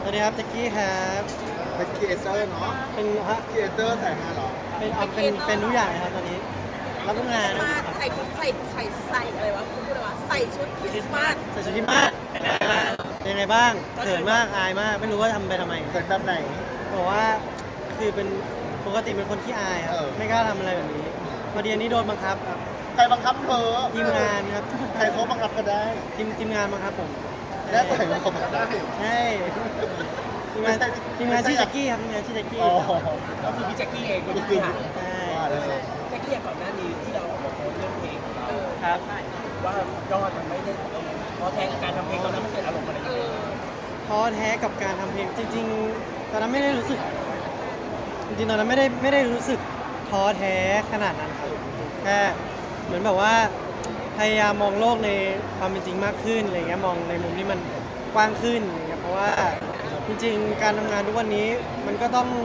วัสดีครับแจ็คกี้ครับเป็นครีเอเตอร์เนาะเป็นฮะครีเอเตอร์สายฮาเหรอเป็นทุกอย่างนะครับตอนนี้รับทุกงานนะมาใส่อะไรวะคุณพูดอะไรวะใส่ชุดคริสต์มาสใส่ชุดที่มากเป็นยังไงบ้างเขินมากอายมากไม่รู้ว่าทำไปทำไมเกิดแบบไหนบอกว่าคือเป็นปกติเป็นคนที่อายครับไม่กล้าทำอะไรแบบนี้มาเดียนนี้โดนบังคับครับใครบังคับเธอทีมงานครับใครเขาบังคับก็ได้ทีมงานบังคับผมแน่ใจว่าเขาบังคับได้ใช่ทีมงานชื่อแจ็คกี้ครับทีมงานชื่อแจ็คกี้อ๋อก็คือพี่แจ็คกี้เองคนที่หาใช่แจ็คกี้อย่างก่อนหน้านี้ที่เราออกมาโพสต์เรื่องเพลงของเราครับว่ายอดมันไม่ได้พอแทนกับการทำเพลงตอนนั้นมันเกิดอารมณ์อะไรยังไงท้อแท้กับการทำเพลงจริงๆตอนนั้นไม่ได้รู้สึกจริงๆตอนนั้นไม่ได้รู้สึกท้อแท้ขนาดนั้นครับแค่เหมือนแบบว่าพยายามมองโลกในความเป็นจริงมากขึ้นอะไรเงี้ยมองในมุมที่มันกว้างขึ้นอะไรเงี้ยเพราะว่าจริงๆการทำงานทุกวันนี้มันก็ต้อง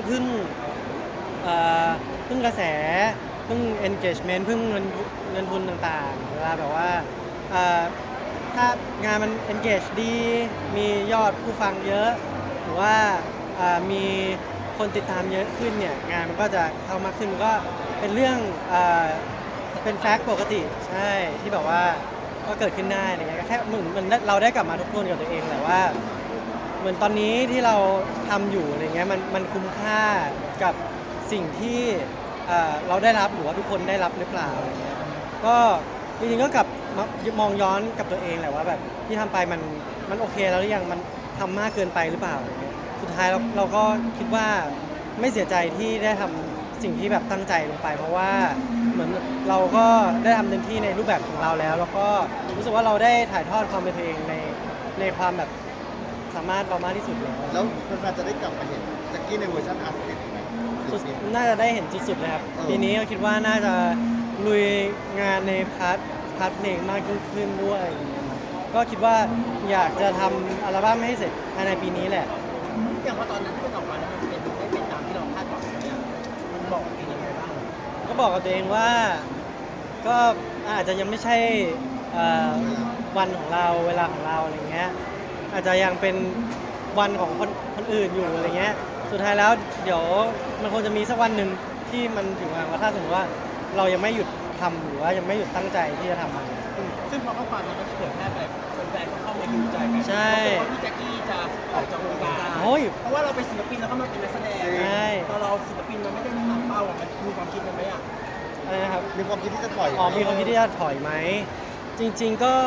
พึ่งกระแสพึ่ง engagement พึ่งเงินทุนต่างๆเวลาแบบว่าถ้างานมัน engage ดีมียอดผู้ฟังเยอะหรือว่ามีคนติดตามเยอะขึ้นเนี่ยงานมันก็จะเข้ามากขึ้นก็เป็นเรื่องเป็นแฟกต์ปกติใช่ที่แบบว่าก็เกิดขึ้นได้อะไรเงี้ยแค่เหมือนเราได้กลับมาทบทวนกับตัวเองแหละว่าเหมือนตอนนี้ที่เราทำอยู่อะไรเงี้ยมันคุ้มค่ากับสิ่งที่เราได้รับหรือว่าทุกคนได้รับหรือเปล่าอะไรเงี้ยก็จริงๆก็กลับมองย้อนกับตัวเองแหละว่าแบบที่ทำไปมันโอเคแล้วหรือยังมันทำมากเกินไปหรือเปล่าสุดท้ายเราก็คิดว่าไม่เสียใจที่ได้ทำสิ่งที่แบบตั้งใจลงไปเพราะว่าเหมือนเราก็ได้ทำเต็มที่ในรูปแบบของเราแล้วก็รู้สึกว่าเราได้ถ่ายทอดความเป็นตัวเองในความแบบสามารถเรามากที่สุดแล้วแฟนๆจะได้กลับมาเห็นแจ็คกี้ในเวอร์ชันอาร์ติสต์ไหมน่าจะได้เห็นสุดๆเลยครับปีนี้ก็คิดว่าน่าจะลุยงานในพาร์ทเพลงมากขึ้นด้วยก็คิดว่าอยากจะทำอัลบั้มให้เสร็จภายในปีนี้แหละอย่างพอตอนนั้นที่มันออกมาแล้วมันเป็นไม่เป็นตามที่เราคาดหวังเนี่ยมันบอกเป็นยังไงบ้างก็บอกกับตัวเองว่าก็อาจจะยังไม่ใช่วันของเราเวลาของเราอะไรเงี้ยอาจจะยังเป็นวันของคนอื่นอยู่อะไรเงี้ยสุดท้ายแล้วเดี๋ยวมันคงจะมีสักวันหนึ่งที่มันถึงว่าถ้าสมมติว่าเรายังไม่หยุดทำหรือว่ายังไม่หยุดตั้งใจที่จะทำมันซึ่งพอข้อความมันก็จะเผยแพร่ไปแฟนๆก็เข้ามาดูใจกันใช่พี่แจ็คกี้จะออกจากวงการเพราะว่าเราเป็นศิลปินแล้วก็มาเป็นนักแสดงตอนเราศิลปินมันไม่ได้ตามเป้ามันมีความคิดมันไหมอะไรนะครับมีความคิดที่จะถอยมีความคิดที่จะถอยไหมจริงๆก็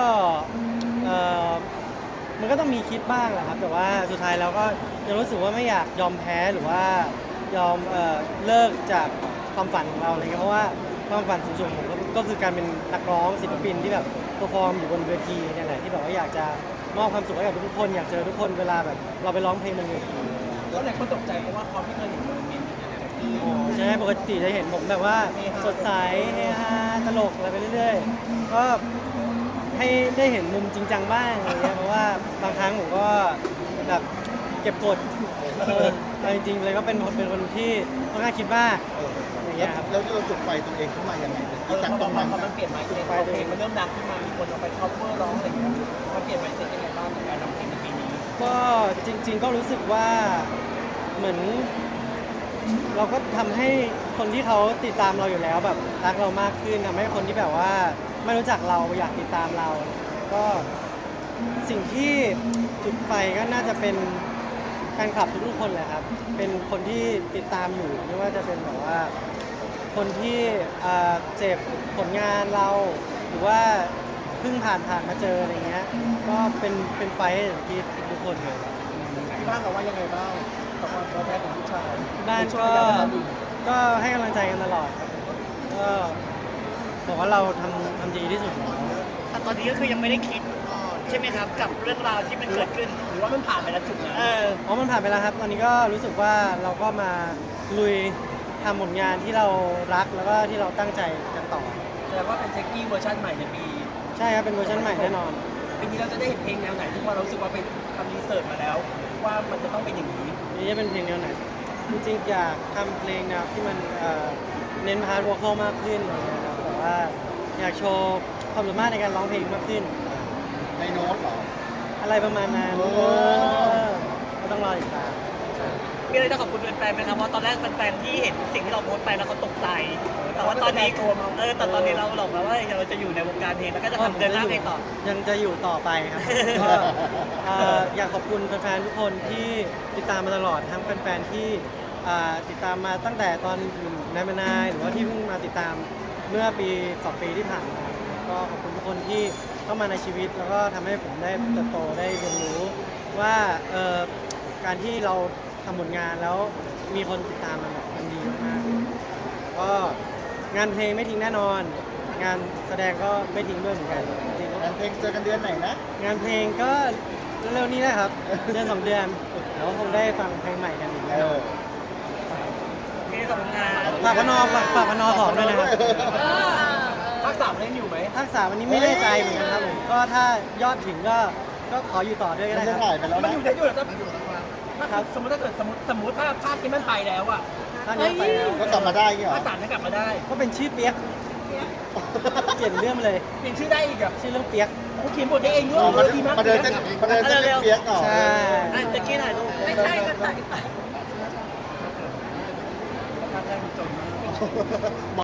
มันก็ต้องมีคิดบ้างแหละครับแต่ว่าสุดท้ายเราก็ยังรู้สึกว่าไม่อยากยอมแพ้หรือว่ายอมเลิกจากความฝันของเราอะไรเงี้ยเพราะว่าความฝันสูงสุดของผมก็คือการเป็นนักร้องศิลปินที่แบบเปอร์ฟอร์มอยู่บนเวทีนี่แหละที่แบบว่าอยากจะมอบความสุขให้กับทุกคนอยากเจอทุกคนเวลาแบบเราไปร้องเพลงบนเวทีก็หลายคนตกใจเพราะว่าเขาไม่เคยเห็นโมเมนต์ใช่ปกติจะเห็นผมแบบว่าสดใสเฮฮาตลกอะไรไปเรื่อยๆก็ให้ได้เห็นมุมจริงจังบ้างอะไรเงี้ยเพราะว่าบางครั้งผมก็แบบเก็บกดจริงๆเลยก็เป็นคนที่ค่อนข้างคิดมากอย่างเงี้ยครับแล้วเราจุดไฟตัวเองขึ้นมายังไงจากตรงนั้นมันเปลี่ยนไมซ์เซ็ตเพลงมันเริ่มดังขึ้นมามีคนเอาไป cover ร้องอะไรอย่างเงี้ยมันเปลี่ยนไมซ์เซ็ตยังไงบ้างในการทำเพลงในปีนี้ก็จริงๆก็รู้สึกว่าเหมือนเราก็ทำให้คนที่เขาติดตามเราอยู่แล้วแบบรักเรามากขึ้นทำให้คนที่แบบว่าไม่รู้จักเราอยากติดตามเราก็สิ่งที่จุดไฟก็น่าจะเป็นแฟนคลับทุกๆคนแหละครับเป็นคนที่ติดตามอยู่ไม่ว่าจะเป็นแบบว่าคนที่เจ็บผลงานเราหรือว่าเพิ่งผ่านมาเจออะไรเงี้ยก็เป็นไฟที่ทุกคนเลยที่บ้านเราว่ายังไงบ้างกับความท้อแท้ของผู้ชายบ้านก็ให้กำลังใจกันตลอดก็บอกว่าเราทำดีที่สุดแต่ตอนนี้ก็คือยังไม่ได้คิดใช่ไหมครับกับเรื่องราวที่มันเกิดขึ้นหรือว่ามันผ่านไปแล้วจุดนั้นมันผ่านไปแล้วครับตอนนี้ก็รู้สึกว่าเราก็มาลุยทำผลงานที่เรารักแล้วก็ที่เราตั้งใจกันต่อแสดงว่าเป็นแจ็คกี้เวอร์ชันใหม่ในปีใช่ครับเป็นเวอร์ชันใหม่แน่นอนปีนี้เราจะได้เห็นเพลงแนวไหนที่ว่าเรารู้สึกว่าไปทำรีเสิร์ชมาแล้วว่ามันจะต้องเป็นอย่างนี้นี่จะเป็นเพลงแนวไหนจริงๆอยากทำเพลงแนวที่มันเน้นพาร์ทวอคอลมากขึ้นอะไรเงี้ยครับแต่ว่าอยากโชว์ความสามารถในการร้องเพลงมากขึ้นในโน้ตหรออะไรประมาณนั้นก็ต้องรอติดตามมีอะไรจะขอบคุณแฟนๆไหมครับเพราะตอนแรกแฟนๆที่เห็นสิ่งที่เราโพสต์ไปแล้วเขาตกใจแต่ว่าตอนนี้แต่ตอนนี้เราบอกแล้วว่าเราจะอยู่ในวงการเพลงแล้วก็จะทำเดินหน้าเพลงต่อยังจะอยู่ต่อไปครับ ก็อยากขอบคุณแฟนๆทุกคนที่ติดตามมาตลอดทั้งแฟนๆที่ติดตามมาตั้งแต่ตอนอยู่ในมานายหรือว่าที่เพิ่งมาติดตามเมื่อปี2 ปีที่ผ่านมาก็ขอบคุณทุกคนที่เข้ามาในชีวิต แล้วก็ทำให้ผมได้เติบโตได้เรียนรู้ว่าการที่เราทำผลงานแล้วมีคนติดตามมันดีมากๆก็งานเพลงไม่ทิ้งแน่นอน งานแสดงก็ไม่ทิ้งด้วยเหมือนกันจริงๆงานเพลงเจอกันเดือนไหนนะงานเพลงก็เร็วๆนี้นะครับ เดือน 2 เดือนเดี๋ยวคงได้ฟังเพลงใหม่กันอีกเอแน่นออนที่สำคัญฝากพนอฝากพนอของด้วยนะครับภาค 3เล่นอยู่ไหมภาค3วันนี้ไม่แน่ใจเหมือนกันครับผมก็ถ้ายอดถึงก็ขออยู่ต่อด้วยก็ไม่ได้ครับได้ถ่ายไปแล้วมันนะอยู่ได้อยู่เหรอถ้าสมมติถ้าเกิดสมมติถ้าภาคนี้มันไปแล้วอ่ะถ้านี้ไปแล้วก็กลับมาได้เงี้ยเหรภาอค 3จะกลับมาได้ก็เป็นชื่อเปียกเปลี่ยนเรื่องเลยเปลี่ยนชื่อได้อีกอ่ะชื่อเรื่องเปียกเขาเขียนบทได้เองด้วยอ๋อดีมากมาเดินเส้นเปียกต่อใช่จะกี้ถ่ายรูปไม่ใช่กันใส่ภาคแรกมันจบมาก